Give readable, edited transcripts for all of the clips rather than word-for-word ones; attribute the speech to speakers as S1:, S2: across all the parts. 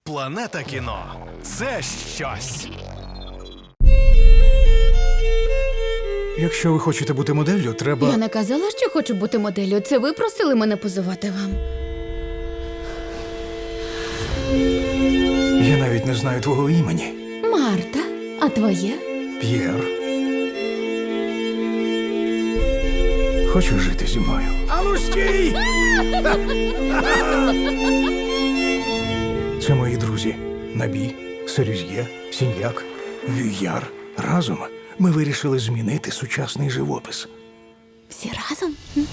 S1: Планета кіно – це щось.
S2: Якщо ви хочете бути моделлю, треба...
S3: Я не казала, що хочу бути моделлю. Це ви просили мене позувати вам.
S2: Я навіть не знаю твого імені.
S3: Марта, а твоє?
S2: П'єр. Хочеш жити зі мною? Ану, стій! Це мої друзі. Набі, Серюз'є, Сіньяк, Вюяр. Разом ми вирішили змінити сучасний живопис.
S3: Всі разом?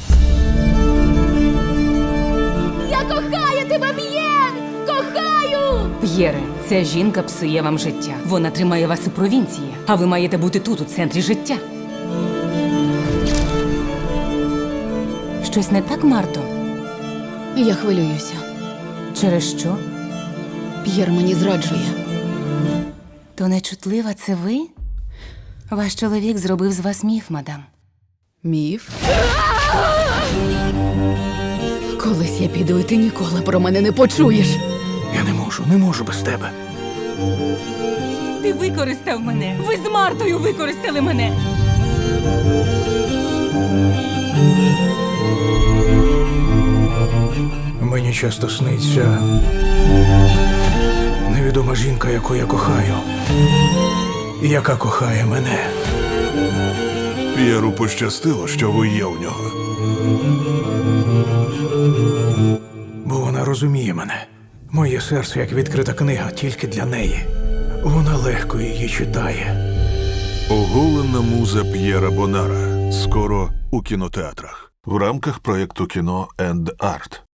S3: Я кохаю тебе, П'єр! Кохаю!
S4: П'єре, ця жінка псує вам життя. Вона тримає вас у провінції, а ви маєте бути тут, у центрі життя. Щось не так, Марто?
S3: Я хвилююся.
S4: Через що?
S3: П'єр мені зраджує.
S4: То нечутлива це ви? Ваш чоловік зробив з вас міф, мадам.
S3: Міф? Колись я піду, і ти ніколи про мене не почуєш.
S2: Я не можу без тебе.
S4: Ти використав мене! Ви з Мартою використали мене!
S2: Мені часто сниться невідома жінка, яку я кохаю, і яка кохає мене.
S5: П'єру пощастило, що ви є у нього.
S2: Бо вона розуміє мене. Моє серце, як відкрита книга, тільки для неї. Вона легко її читає.
S5: Оголена муза П'єра Бонара. Скоро у кінотеатрах. В рамках проєкту «Кіно енд Арт».